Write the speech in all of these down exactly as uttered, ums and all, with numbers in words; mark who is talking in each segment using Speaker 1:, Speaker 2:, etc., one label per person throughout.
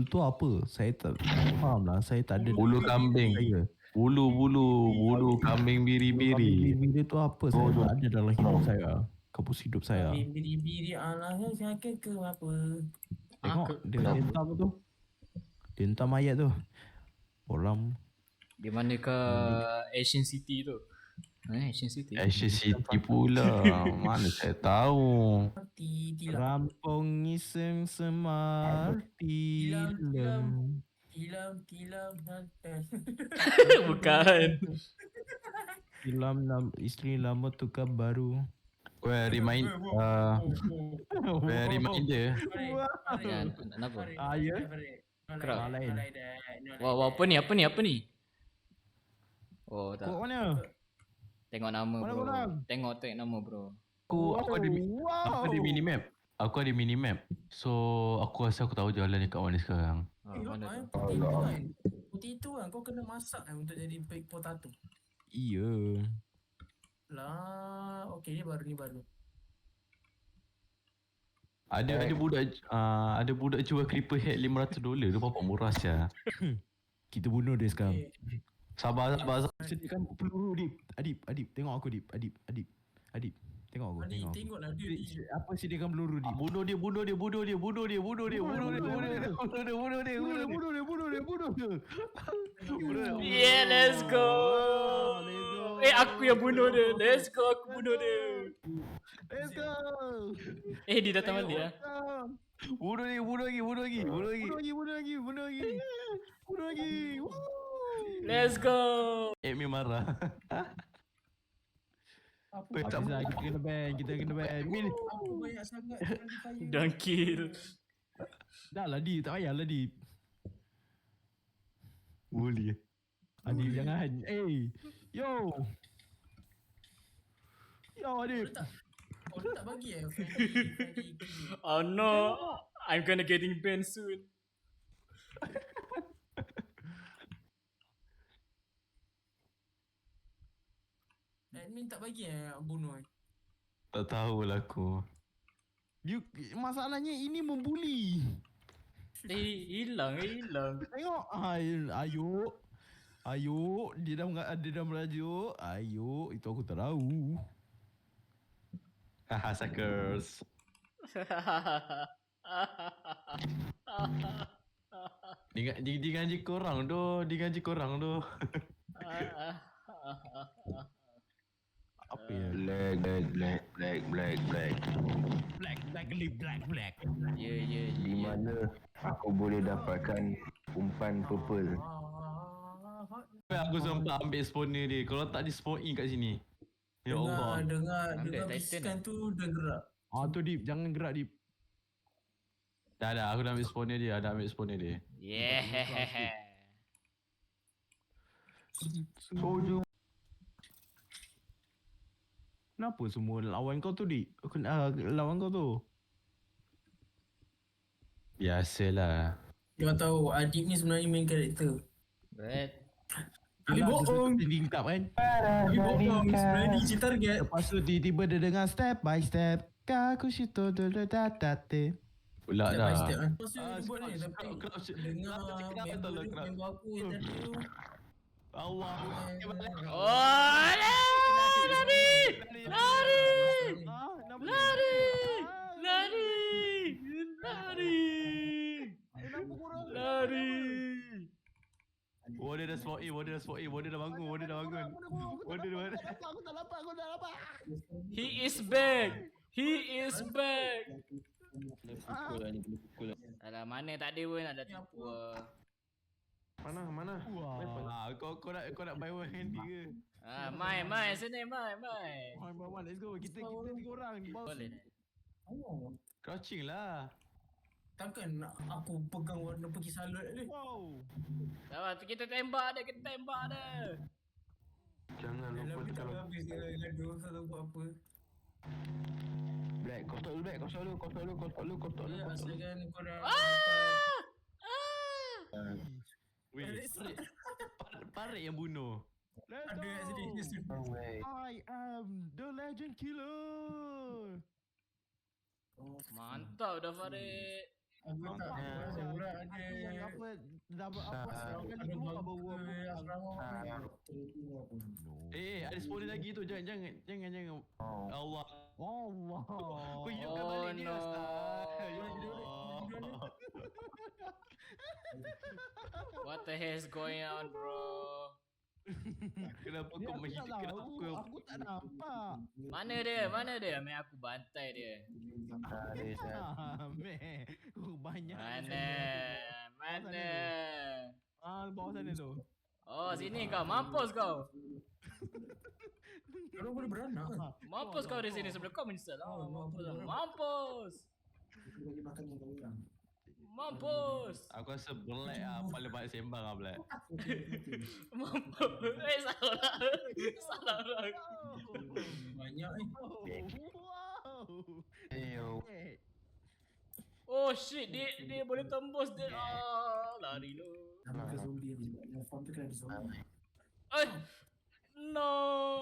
Speaker 1: bulu tu apa? Saya tak faham lah. Saya tak ada.
Speaker 2: Bulu kambing.
Speaker 1: Saya.
Speaker 2: Bulu-bulu, bulu kambing biri-biri.
Speaker 1: Biri-biri tu apa? Saya tak ada dalam hidup saya. Kampus hidup saya.
Speaker 3: Biri-biri Allah sakit ke apa?
Speaker 1: Tengok dia hentam tu. Dia hentam mayat tu. Orang
Speaker 4: Di mana ke Asian City tu? Eh, Asian City.
Speaker 2: Asian City pula. Mana saya tahu.
Speaker 1: Rampung iseng semar tilam.
Speaker 3: Tilam, tilam, hantar.
Speaker 4: Bukan.
Speaker 1: Tilam lam, isteri lama tukar baru.
Speaker 2: Well, remind uh, well, reminder.
Speaker 4: Kenapa?
Speaker 1: Ah, ya?
Speaker 4: Kerap.
Speaker 1: lain.
Speaker 4: Wah, wah, apa ni? Apa ni? Apa ni? Oh, tak.
Speaker 1: Kau mana?
Speaker 4: Tengok nama
Speaker 1: Mana
Speaker 4: bro.
Speaker 1: korang?
Speaker 4: Tengok tengok nama bro.
Speaker 2: Aku aku ada
Speaker 1: wow.
Speaker 2: aku ada mini map. Aku ada mini map. So aku rasa aku tahu jalan dekat mana sekarang.
Speaker 4: Ha,
Speaker 3: Eh,
Speaker 4: mana
Speaker 3: mana
Speaker 4: tu?
Speaker 3: putih tu kan? Putih tu kan kau kena masak kan untuk jadi baked potato.
Speaker 1: Iya.
Speaker 3: Lah, okey ni baru ni baru.
Speaker 2: Ada ada budak uh, ada budak jual creeper head lima ratus dolar tu berapa murah sia.
Speaker 1: Kita bunuh dia sekarang.
Speaker 3: Okay.
Speaker 2: Sabar sabar. sabar.
Speaker 1: Sediakan peluru Adib. Adib, Adib, tengok aku Adib. Adib, Adib. Adib, tengok aku,
Speaker 3: Ni
Speaker 1: tengok aku.
Speaker 3: tengoklah dia
Speaker 1: Si-
Speaker 3: ni.
Speaker 1: si- Apa sediakan peluru Adib?
Speaker 2: Ah, bunuh dia, bunuh dia, bunuh dia, bunuh dia, bunuh dia, bunuh dia, bunuh dia, bunuh dia, bunuh dia, bunuh dia, bunuh dia.
Speaker 1: Bunuh dia, bunuh dia, bunuh dia. Bunuh dia.
Speaker 4: Yeah, let's go.
Speaker 1: let's go.
Speaker 4: Eh, aku yang bunuh dia. Let's go, aku bunuh dia.
Speaker 1: Let's go.
Speaker 4: Eh, dia datang balik ah.
Speaker 2: Bunuh dia, bunuh lagi, bunuh lagi, bunuh lagi.
Speaker 1: Bunuh lagi, bunuh lagi, bunuh lagi. Bunuh lagi. Woo.
Speaker 4: Let's go.
Speaker 2: Amy marah.
Speaker 3: Apa
Speaker 2: Eh, tak
Speaker 1: Habis lah, kita kena ban, kita kena ban. Min.
Speaker 3: apa banyak sangat friendly fire.
Speaker 4: Don't kill.
Speaker 1: Dah lah Dip, tak payah lah Dip.
Speaker 2: Boleh.
Speaker 1: Adib jangan. Eh, yo. Yo Adib.
Speaker 3: Kau tak bagi eh friendly friendly kill.
Speaker 4: Oh no. I'm gonna getting banned soon.
Speaker 3: Admin tak bagi eh bunuh eh.
Speaker 2: Tak tahulah aku.
Speaker 1: You, masalahnya ini membuli.
Speaker 4: Eh, hilang, eh, hilang.
Speaker 1: Tengok. Ay, ayo. Ayo. Dia dah, menga- dia dah merajuk. Ayo. Itu aku tak tahu.
Speaker 2: Haha, suckers. Dia dia dia gaji korang doh, dia gaji korang doh.
Speaker 1: Apa ya?
Speaker 5: Black, black, black, black, black, black.
Speaker 1: Black, black, black, black, black.
Speaker 4: Ya, ya,
Speaker 5: Di
Speaker 4: ya.
Speaker 5: mana aku boleh dapatkan umpan purple?
Speaker 3: Ah,
Speaker 2: Aku sempat ambil spawner dia. Kalau tak dia spawn in kat sini. Ya
Speaker 3: dengar,
Speaker 2: Allah.
Speaker 3: dengar,
Speaker 4: Ambil
Speaker 3: dengar
Speaker 4: Titan
Speaker 3: bisikan tu dia gerak.
Speaker 1: Ah tu Dip, jangan gerak Dip.
Speaker 2: Dah dah aku dah ambil spawner dia, dah ambil spawner dia.
Speaker 4: Yeah.
Speaker 5: Soju.
Speaker 1: Kenapa semua lawan kau tu Dip? Uh, lawan kau tu.
Speaker 2: Biasalah.
Speaker 3: Dia tahu Adib ni sebenarnya main karakter.
Speaker 4: But
Speaker 3: Tapi bohong.
Speaker 1: Tingkap kan.
Speaker 3: Tapi bohong. Sebenarnya dia isi target.
Speaker 1: Lepas tu tiba-tiba dia dengar step by step. Kakushito dododadate.
Speaker 2: Pula
Speaker 3: Step by
Speaker 2: dah.
Speaker 3: step kan. Lepas tu
Speaker 2: Ah,
Speaker 3: dia buat ni.
Speaker 2: crouch,
Speaker 3: Tapi
Speaker 2: crouch, crouch.
Speaker 3: dengar
Speaker 2: Crouch, crouch,
Speaker 3: member
Speaker 2: betul lah,
Speaker 3: dia,
Speaker 2: crouch.
Speaker 3: member aku yang tadi tu.
Speaker 2: Allah.
Speaker 4: oh, lari, lari, lari,
Speaker 1: Ah, kenapa?
Speaker 4: lari, lari, lari,
Speaker 1: Kenapa korang?
Speaker 4: lari.
Speaker 2: Warden dah spawn in, Warden dah spawn in, Warden dah bangun, Warden dah bangun. Warden dah bangun.
Speaker 1: Aku tak dapat, aku tak dapat.
Speaker 4: He is back. He is back. Alah, mana tak ada pun ada tipu.
Speaker 2: Mana, mana?
Speaker 1: Wah.
Speaker 2: Ah, kau kau nak kau nak buy one handy ke?
Speaker 4: Ah, mai, mai, sini, mai, mai.
Speaker 1: One by one, let's go. Kita kita tiga orang di bawah.
Speaker 4: Boleh.
Speaker 3: Oh.
Speaker 2: Crouching lah.
Speaker 3: Takkan nak aku pegang warna pergi salut ni.
Speaker 1: Wow.
Speaker 4: Sabar, kita tembak dia, kita tembak dia.
Speaker 5: Jangan lupa
Speaker 3: Dalam ni tak
Speaker 5: tekan
Speaker 3: habis dia gaduh. Tak tahu buat apa.
Speaker 5: black. Kau stop dulu black. Kau stop dulu. Kau stop dulu. Kau stop dulu. Kau stop dulu.
Speaker 3: Ya,
Speaker 5: Kau stop dulu.
Speaker 3: asalkan korang
Speaker 4: Ah! Ah!
Speaker 2: Weh, parit, parit, parit yang bunuh.
Speaker 1: Let's
Speaker 3: ada kat sini.
Speaker 1: go.
Speaker 5: Oh, wait.
Speaker 1: I am the legend killer.
Speaker 4: Mantap dah Farid.
Speaker 3: Aku tak tahu orang ada
Speaker 1: dah apa
Speaker 5: Ah,
Speaker 1: kali
Speaker 3: Ada
Speaker 1: keluar
Speaker 3: bangku
Speaker 1: baru apa.
Speaker 3: asrama.
Speaker 5: Ah.
Speaker 2: Eh, ada spawner lagi tu. Jangan, jangan, jangan, jangan.
Speaker 5: Oh.
Speaker 2: Allah.
Speaker 1: Allah.
Speaker 2: Kau hidupkan
Speaker 4: Oh,
Speaker 2: balik dia,
Speaker 4: no.
Speaker 2: Ustaz. Ya
Speaker 3: Allah.
Speaker 2: Allah.
Speaker 4: What the hell is going on, bro?
Speaker 2: Kenapa
Speaker 1: Ni
Speaker 2: kau
Speaker 1: aku tak
Speaker 2: menghidupkan
Speaker 1: tahu.
Speaker 2: aku?
Speaker 1: Aku tak nampak.
Speaker 4: Mana dia? Mana dia? Main aku bantai dia.
Speaker 5: Ah, dia dah.
Speaker 1: Ah, meh. Oh, banyak.
Speaker 4: Mana? Mana?
Speaker 1: Ah, bawah sana tu.
Speaker 4: Oh, sini kau. Mampus kau.
Speaker 3: Kalau boleh beranak kan?
Speaker 4: Mampus kau di sini sebelum kau menyesal. Oh, mampus. Mampus. Mampus.
Speaker 2: Aku rasa Black lah paling banyak sembang lah Black.
Speaker 4: Mampus. Eh, salah lah. Salah lah.
Speaker 3: Banyak eh.
Speaker 1: Wow.
Speaker 5: Eyo.
Speaker 1: Eh,
Speaker 4: Oh shit, dia dia boleh tembus dia. Ah, lari lu.
Speaker 3: Nama ke zombie ni sebab yang farm tu kan ada zombie.
Speaker 4: Eh. No.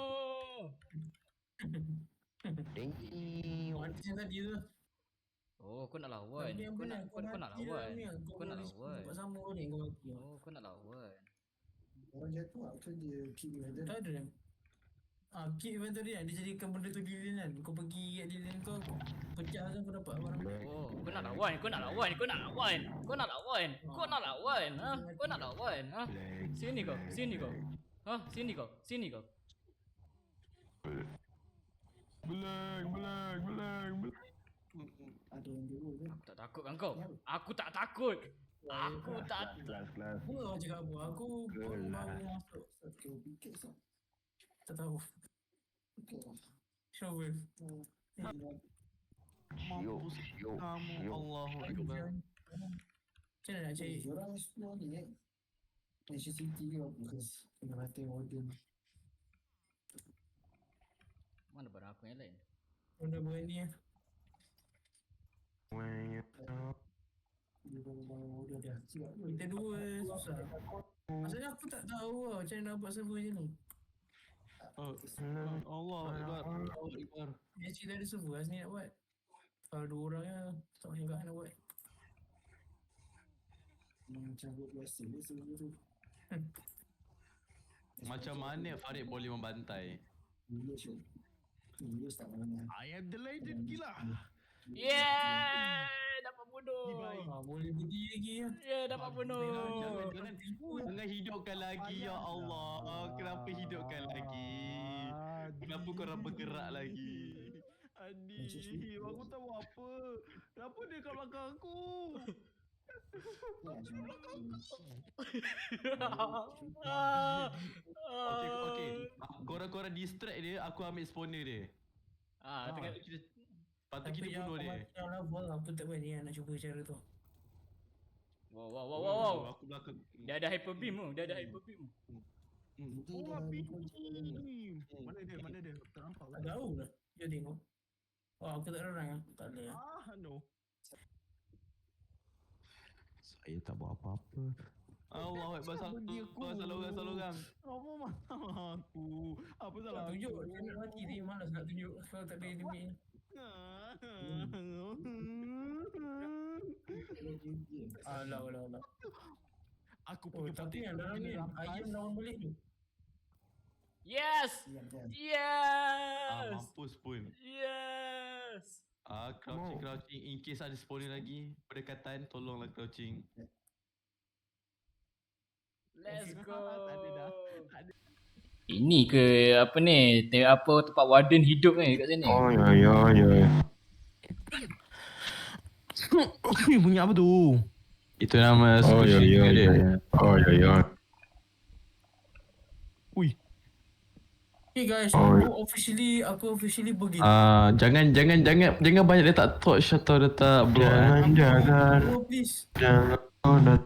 Speaker 5: Damn.
Speaker 3: Mana yang tadi tu?
Speaker 4: Oh, kau nak lawan.
Speaker 3: Tapi yang
Speaker 4: Kau nak
Speaker 3: benar,
Speaker 4: kau, kau nak
Speaker 3: mati
Speaker 4: lawan.
Speaker 3: dalam ni,
Speaker 4: Kau nak
Speaker 3: boleh
Speaker 4: lawan.
Speaker 3: buat sama ni kau mati.
Speaker 4: Oh, kau nak lawan.
Speaker 6: Orang jatuh lah, macam dia keep inventory.
Speaker 3: Tak ada. Ah, keep inventory kan, dia jadikan benda tu lilin kan. Kau pergi kat lilin tu, pecah kan kau dapat barang.
Speaker 4: Oh, kau nak lawan, kau nak lawan, kau nak lawan. Kau nak lawan. Kau nak lawan, ha? Kau nak lawan, ha? Sini kau, sini kau. Ha, sini kau, sini kau.
Speaker 2: Black, Black, Black, Black.
Speaker 6: Ada yang jauh kan.
Speaker 4: Tak takut kan kau? Aku tak takut. Aku tak.
Speaker 5: Kelas, kelas.
Speaker 3: Apa kau cakap apa? Aku baru
Speaker 5: Gelah.
Speaker 3: masuk.
Speaker 6: Okay, pikir sah.
Speaker 3: Tak tahu.
Speaker 6: Okay lah.
Speaker 3: Shovel.
Speaker 6: Hmm.
Speaker 5: Syuk, syuk,
Speaker 2: Kamu
Speaker 5: syuk.
Speaker 2: Allahu Akbar.
Speaker 3: Macam mana nak cari?
Speaker 6: Diorang explore ni kan. Mansion City ke apa ke. Kena mati warden.
Speaker 4: Mana barang aku yang lain?
Speaker 3: Benda berani lah.
Speaker 5: When you know.
Speaker 6: Dia bangun-bangun warden dah. Siap.
Speaker 3: Kita dua susah. Maksudnya aku tak tahu lah macam mana nak buat server macam ni.
Speaker 2: Oh, Allah Akbar. Allah Akbar.
Speaker 3: Dia cerita ada server lah sini nak buat. Kalau dua orang ya, tak macam kat nak buat.
Speaker 6: Macam buat biasa dia server tu.
Speaker 2: Macam mana Farid boleh membantai?
Speaker 6: Village tu. Village tak mana.
Speaker 1: I am the legend gila.
Speaker 4: Yeah, dapat bunuh.
Speaker 3: Ah, boleh berdiri lagi ya.
Speaker 4: Yeah, dapat bunuh.
Speaker 2: Jangan, jangan, jangan hidupkan lagi ya Allah. Kenapa hidupkan lagi? Kenapa korang bergerak lagi?
Speaker 1: Adi, aku tahu apa. Kenapa dia kat belakang aku?
Speaker 6: Ya,
Speaker 2: Okey, okey. Korang-korang distract dia, aku ambil spawner dia.
Speaker 4: Ah, tengah
Speaker 2: Lepas tu kita Lepas tu
Speaker 3: Tapi
Speaker 2: kita
Speaker 3: yang
Speaker 2: bunuh
Speaker 3: aku
Speaker 2: dia.
Speaker 3: mati dalam level aku tak berani lah nak cuba cara tu.
Speaker 4: Wow, wow, wow, wow, wow.
Speaker 2: Aku belakang.
Speaker 4: Dia ada hyper beam tu, dia ada hyper beam.
Speaker 6: Nanti
Speaker 1: Oh,
Speaker 6: dah
Speaker 1: api.
Speaker 6: ni.
Speaker 1: Mana dia? Mana dia? Tak nampak.
Speaker 3: Tak tahu lah. Dia tengok. Oh, aku tak ada orang lah. Tak ada lah.
Speaker 1: Ah, no. Saya tak buat apa-apa.
Speaker 2: Allah Akbar. Salah
Speaker 1: Bagi aku.
Speaker 2: salah orang, salah orang.
Speaker 1: Apa masalah aku? Apa salah
Speaker 3: Tak
Speaker 1: aku?
Speaker 3: tunjuk. Dia nak mati dia malas nak tunjuk. Kalau tak ada enemy. Alah, alah, alah.
Speaker 1: Aku
Speaker 3: Oh,
Speaker 1: punya
Speaker 3: tapi yang dalam ni ayam lawan balik tu.
Speaker 4: Yes!
Speaker 6: Diam, diam.
Speaker 2: Ah,
Speaker 4: Yes!
Speaker 2: mampus pun.
Speaker 4: Yes!
Speaker 2: Ah, crouching, crouching. In case ada spawner lagi, berdekatan, tolonglah crouching.
Speaker 4: Let's go.
Speaker 1: Tak ada dah.
Speaker 4: Ini ke apa ni? Tengok apa tempat warden hidup ni kat sini.
Speaker 5: Oh, ya, ya, ya.
Speaker 1: Bunyi apa tu?
Speaker 2: Itu nama
Speaker 5: Oh, ya, ya, ya, ya. Oh, ya, ya.
Speaker 1: Ui.
Speaker 3: Okay guys,
Speaker 5: Oh,
Speaker 3: aku officially, aku officially pergi.
Speaker 2: Ah, jangan jangan jangan jangan banyak letak torch atau letak block. Eh.
Speaker 5: Jangan, jangan,
Speaker 3: Oh please.
Speaker 5: jangan. Oh, dah.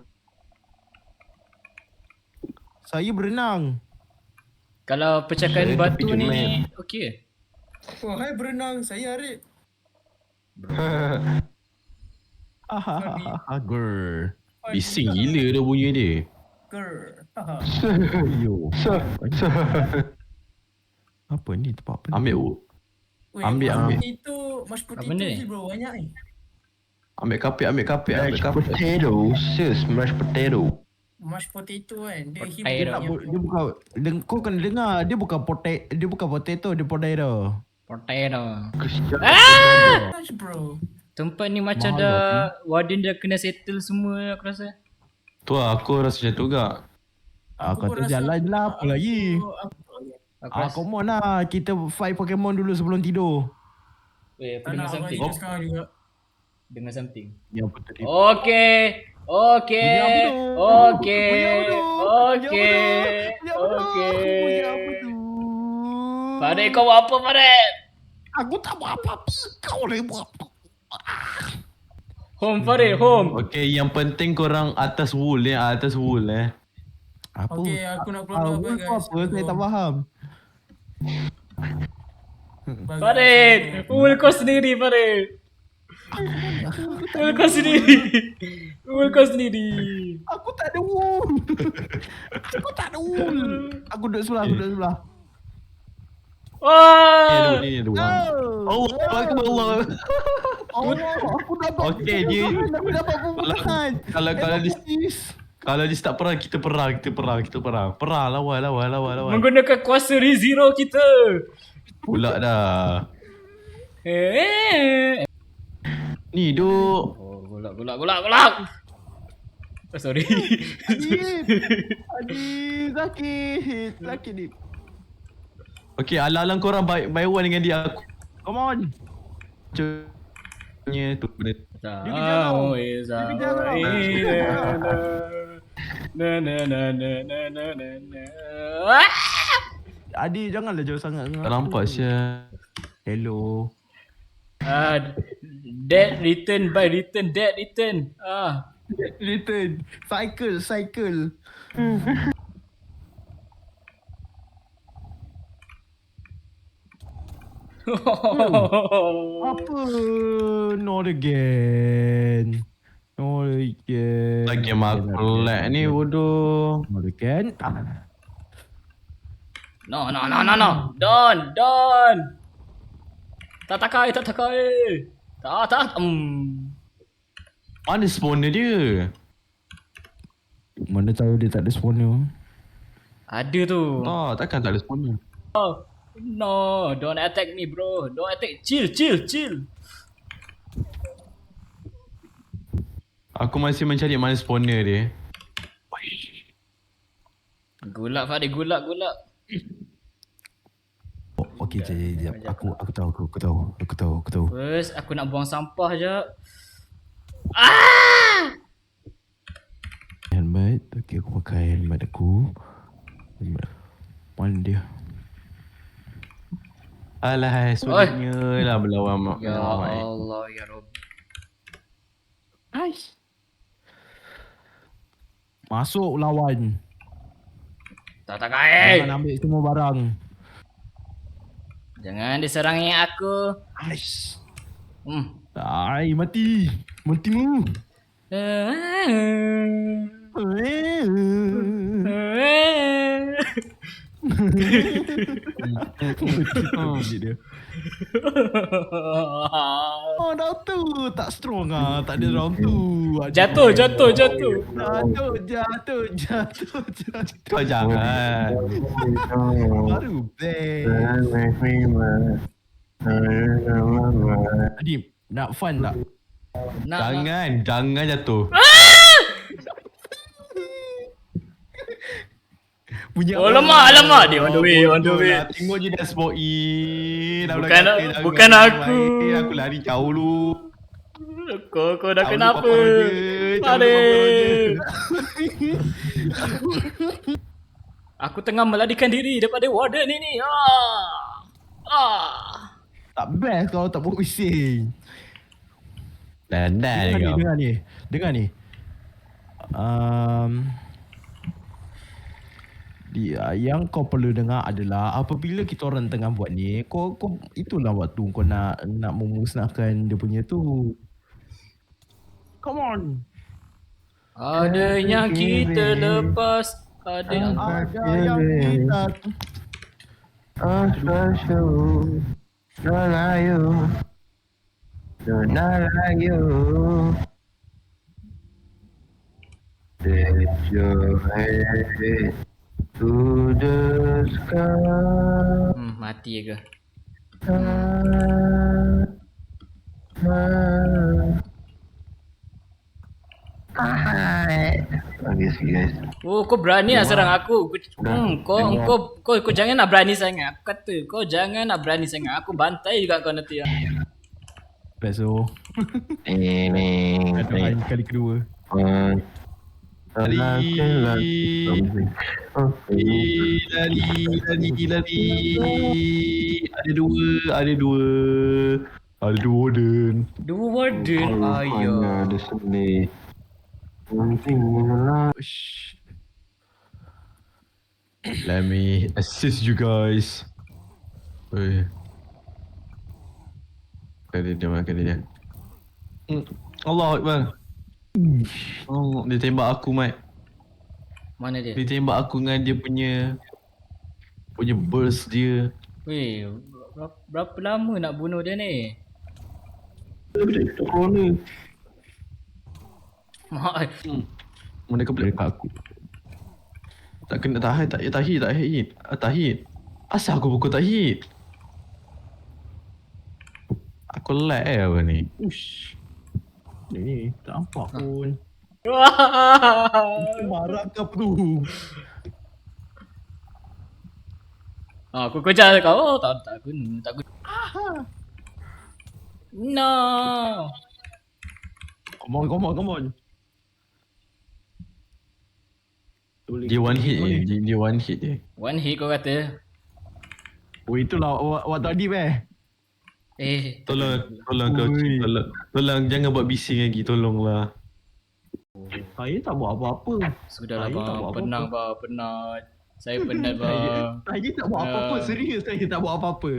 Speaker 1: Saya berenang.
Speaker 4: Kalau pecahkan
Speaker 5: Saya
Speaker 4: batu
Speaker 5: fikir
Speaker 4: ni
Speaker 5: main.
Speaker 4: okey.
Speaker 3: Oh, hai berenang. Saya Arif.
Speaker 1: Hahaha, girl.
Speaker 2: Bising gila dah bunyi dia.
Speaker 3: Girl. Haha.
Speaker 1: Yo.
Speaker 5: So, so.
Speaker 1: Apa ni tempat apa?
Speaker 2: Ambil u.
Speaker 3: Weh,
Speaker 2: Ambil,
Speaker 3: mas
Speaker 2: ambil.
Speaker 3: Potato, mas potato
Speaker 4: benda ni?
Speaker 3: je bro, banyak ni.
Speaker 2: Ambil kapit, ambil kapit, ambil
Speaker 5: Mashed
Speaker 2: kapit.
Speaker 5: potato, sis, mashed potato.
Speaker 3: Mashed potato kan. Dia
Speaker 4: Potato.
Speaker 3: him
Speaker 1: Dia tak bu- dia bukan deng, kau kena dengar dia bukan potato, dia bukan potato, dia potato.
Speaker 4: Potato.
Speaker 5: Kesian.
Speaker 3: Mash bro.
Speaker 4: Tempat ni macam
Speaker 1: Mahal
Speaker 4: dah warden dah kena settle semua aku rasa.
Speaker 2: Tu lah, aku rasa macam tu juga.
Speaker 1: Ah,
Speaker 3: Aku
Speaker 1: kata
Speaker 3: rasa-
Speaker 1: jalan je lah, apa lagi?
Speaker 3: Aku- aku-
Speaker 4: Aku
Speaker 1: Ah,
Speaker 4: rasa.
Speaker 1: come on lah. Kita fight Pokemon dulu sebelum tidur.
Speaker 4: Weh, aku
Speaker 3: Tak
Speaker 4: dengar
Speaker 3: nak aku
Speaker 4: something.
Speaker 3: hidup sekarang juga.
Speaker 4: Dengar something.
Speaker 1: Yang betul dia.
Speaker 4: Okay. Okay.
Speaker 1: Bunyi apa tu?
Speaker 4: Okay.
Speaker 1: Bunyi apa tu?
Speaker 4: Okay.
Speaker 1: Bunyi apa tu? Bunyi apa
Speaker 4: Okay.
Speaker 1: tu?
Speaker 4: Farid kau buat apa Farid?
Speaker 1: Aku tak buat apa-apa. Kau lah yang buat apa.
Speaker 4: Home Farid, home.
Speaker 2: Okay, yang penting korang atas wool eh, atas wool eh.
Speaker 1: Apa?
Speaker 3: Okay, aku nak keluar
Speaker 1: Ah,
Speaker 3: dulu,
Speaker 1: wool
Speaker 3: guys.
Speaker 1: tu apa? Saya tak faham.
Speaker 3: Bagus.
Speaker 4: Farid, Ul kau sendiri Farid. Ul kau sendiri. Ul kau sendiri.
Speaker 1: Aku tak ada wool. Aku tak ada wool. Aku duduk sebelah, aku duduk sebelah.
Speaker 2: Ni
Speaker 4: Wah.
Speaker 2: ada ni ada wall.
Speaker 1: Oh,
Speaker 2: Allah Akbar Allah.
Speaker 1: Allah, aku dapat.
Speaker 2: Okey, dia-
Speaker 1: Aku dapat pembukaan.
Speaker 2: Kalau kalau dia
Speaker 1: Sis.
Speaker 2: kalau dia start perang, kita perang, kita perang, kita perang. Perang, lawan, lawan, lawan, lawan.
Speaker 4: Menggunakan kuasa Rezero kita.
Speaker 2: Pula dah.
Speaker 4: Eh.
Speaker 2: Ni duk.
Speaker 4: Oh, golak golak golak golak. Oh, sorry.
Speaker 1: Adib. Adib, sakit. Sakit, Adib.
Speaker 2: Okay, alang-alang korang by, by one dengan dia. Aku
Speaker 1: Come on.
Speaker 2: punya tu benda.
Speaker 1: Dia kejar kau. Dia kejar kau.
Speaker 4: Na na na na na na na na.
Speaker 1: Adib, janganlah jauh sangat. dengan
Speaker 2: Tak
Speaker 1: aku.
Speaker 2: nampak Syah.
Speaker 1: Hello.
Speaker 4: Ah, dead return by return, dead return. Ah.
Speaker 1: Return. Cycle, cycle. Apa? Not again. Not again.
Speaker 2: Lagi aku lag ni bodoh.
Speaker 1: Not again. Ah.
Speaker 4: No, no, no, no, no. Don, Don. Tak takai, tak takai. Tak, tak. Hmm.
Speaker 2: Mana spawner dia?
Speaker 1: Mana tahu dia tak ada spawner.
Speaker 4: Ada tu.
Speaker 2: Tak, takkan tak ada spawner.
Speaker 4: No, don't attack me, bro. Don't attack. Chill, chill, chill.
Speaker 2: Aku masih mencari mana spawner dia.
Speaker 4: Gulak, Farid. Gulak, gulak.
Speaker 1: Oh, okey, jap, jap, jap. Aku aku tahu, aku, aku tahu. Aku tahu, aku tahu.
Speaker 4: First, aku nak buang sampah je. Ah!
Speaker 1: Helmet. Okey, aku pakai helmet aku. Helmet. Mana dia?
Speaker 2: Alah, sulitnya lah berlawan mak.
Speaker 4: Ya Allah, ya Rabb.
Speaker 1: Aish. Masuk lawan.
Speaker 4: Tak takai.
Speaker 1: Jangan ambil semua barang.
Speaker 4: Jangan diserangi aku.
Speaker 1: Aish.
Speaker 4: Hmm.
Speaker 1: Ai, mati. Matimu. dia. Oh, round tu tak strong ah. Tak ada round tu.
Speaker 4: Jatuh, jatuh, jatuh.
Speaker 1: Jatuh, jatuh, jatuh, jatuh.
Speaker 2: Kau jangan.
Speaker 1: Baru best. Adib, nak fun tak?
Speaker 4: Nak, nak.
Speaker 2: Jangan, jangan jatuh.
Speaker 1: Punya
Speaker 4: Oh, lemak, lemak. Dia on the way, on the way.
Speaker 2: Lah, tengok je dah smoke in. Dah
Speaker 4: Bukan-
Speaker 2: belakang kata, jangan
Speaker 4: bukan
Speaker 2: main.
Speaker 4: aku.
Speaker 2: Aku lari jauh dulu.
Speaker 4: Kau, kau dah
Speaker 2: Jauh
Speaker 4: kenapa?
Speaker 2: dulu, Papa Roger. Jauh dulu, Papa
Speaker 4: Farid.
Speaker 2: Roger.
Speaker 4: Aku tengah melarikan diri daripada warden ini. Ah. Ah.
Speaker 1: tak best kalau tak buat bising.
Speaker 2: Dan dah
Speaker 1: Dengar ni,
Speaker 2: kau.
Speaker 1: dengar ni. Dengar ni. Um, dia, yang kau perlu dengar adalah apabila kita orang tengah buat ni, kau, kau itulah waktu kau nak nak memusnahkan dia punya tu. Come on.
Speaker 4: Ada yang kita lepas. Ada yang...
Speaker 1: Ada yang kita
Speaker 5: Don't like you. Lift your head to the sky.
Speaker 4: Hmm, mati ke?
Speaker 5: Ah, ah. Okay, see guys.
Speaker 4: Oh, kau berani lah serang aku. Kau, hmm, kau, kau, kau, kau jangan nak berani sangat. Aku kata, kau jangan nak berani sangat. Aku bantai juga kau nanti. Ya.
Speaker 1: Peso.
Speaker 5: Ni ni.
Speaker 1: Aduhan kali kedua.
Speaker 5: Uh,
Speaker 2: Lari. Lari, lari, lari. Ada dua, ada dua. Ada dua warden.
Speaker 4: Dua warden. Ayo.
Speaker 5: Ada sini. Penting lah.
Speaker 2: Shh. Let me assist you guys. Oi. Kali dia makan dia. Hmm. Allah Akbar. Oh, dia tembak aku, Mat.
Speaker 4: Mana dia?
Speaker 2: Dia tembak aku dengan dia punya punya burst dia.
Speaker 4: Weh, berapa, berapa lama nak bunuh dia ni?
Speaker 5: Corona.
Speaker 4: Mak,
Speaker 2: Hmm. Mana kau boleh
Speaker 1: Dekat aku.
Speaker 2: tak kena tahan, tak tak hit, tak hit. Ah, tak hit. Asal aku pukul tak hit? Aku lag eh apa ni?
Speaker 1: Ush. Ni tak nampak pun.
Speaker 4: Wah.
Speaker 1: Marah ke apa tu?
Speaker 4: Ah, aku kejar kau. Oh, tak tak guna, tak guna. No.
Speaker 1: Come on, come on, come on.
Speaker 2: Dia one hit je, dia, dia one hit je.
Speaker 4: One hit kau kata.
Speaker 1: Oh itulah awak, awak tadi beh.
Speaker 4: Eh,
Speaker 2: Tolong, tolong kau,
Speaker 1: Ui.
Speaker 2: tolong, tolong jangan buat bising lagi, tolonglah.
Speaker 1: Saya tak buat apa-apa.
Speaker 4: sudahlah
Speaker 1: Saya tak
Speaker 4: bang.
Speaker 1: buat apa-apa.
Speaker 4: Penat bang, penat. Saya penat
Speaker 1: Saya,
Speaker 4: bang.
Speaker 1: saya tak buat apa-apa.
Speaker 4: Ya.
Speaker 1: Serius saya tak buat apa-apa.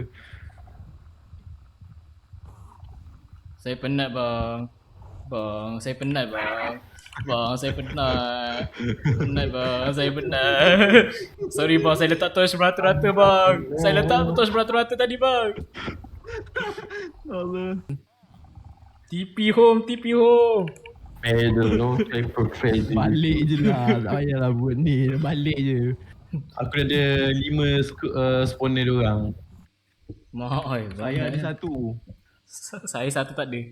Speaker 4: Saya penat bang. Bang, saya penat bang. Bang, saya penat. Penat bang, saya penat. Sorry bang, saya letak torch merata-rata bang. Saya letak torch merata-rata tadi bang.
Speaker 1: Allah.
Speaker 4: T P home, T P home.
Speaker 5: Pedal, no time for trading.
Speaker 1: Balik je lah. Tak payahlah buat ni. Balik je.
Speaker 2: Aku ada lima sku- uh, spawner diorang.
Speaker 4: Mak, oi,
Speaker 1: Saya ada
Speaker 4: banyak.
Speaker 1: satu.
Speaker 4: Saya satu tak ada.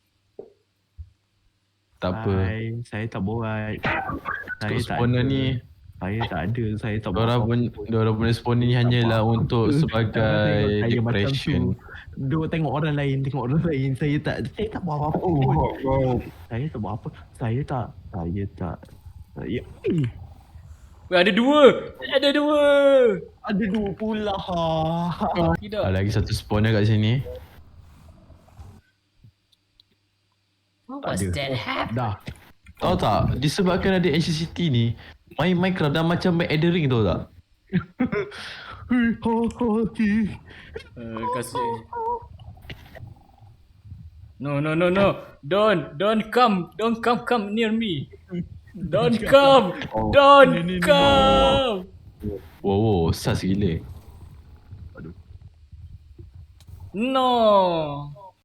Speaker 2: Tak apa.
Speaker 1: Hai, saya tak buat. Saya
Speaker 2: Untuk
Speaker 1: tak
Speaker 2: spawner
Speaker 1: ada.
Speaker 2: ni,
Speaker 1: Saya tak ada. Saya tak buat
Speaker 2: diorang pun, diorang punya spawner ni hanyalah untuk sebagai
Speaker 1: Saya macam
Speaker 2: depression.
Speaker 1: tu. Duk tengok orang lain, tengok orang lain. Saya tak, saya tak buat apa-apa pun. Saya tak buat apa. Saya tak, saya tak. Saya, eh,
Speaker 4: Weh, ada dua. Ada dua.
Speaker 1: ada dua pula.
Speaker 4: Tidak.
Speaker 2: Ah, lagi satu spawner kat sini.
Speaker 4: What was
Speaker 1: ada.
Speaker 4: that happen?
Speaker 1: Dah.
Speaker 2: Tahu tak, disebabkan ada N C C T ni, main Minecraft dah macam main Elden Ring, tahu tak?
Speaker 4: Uh, kasih. No, no, no, no. Don't, don't come. Don't come, come near me. Don't come. Don't come.
Speaker 2: Wow, wow, sas gila.
Speaker 4: No.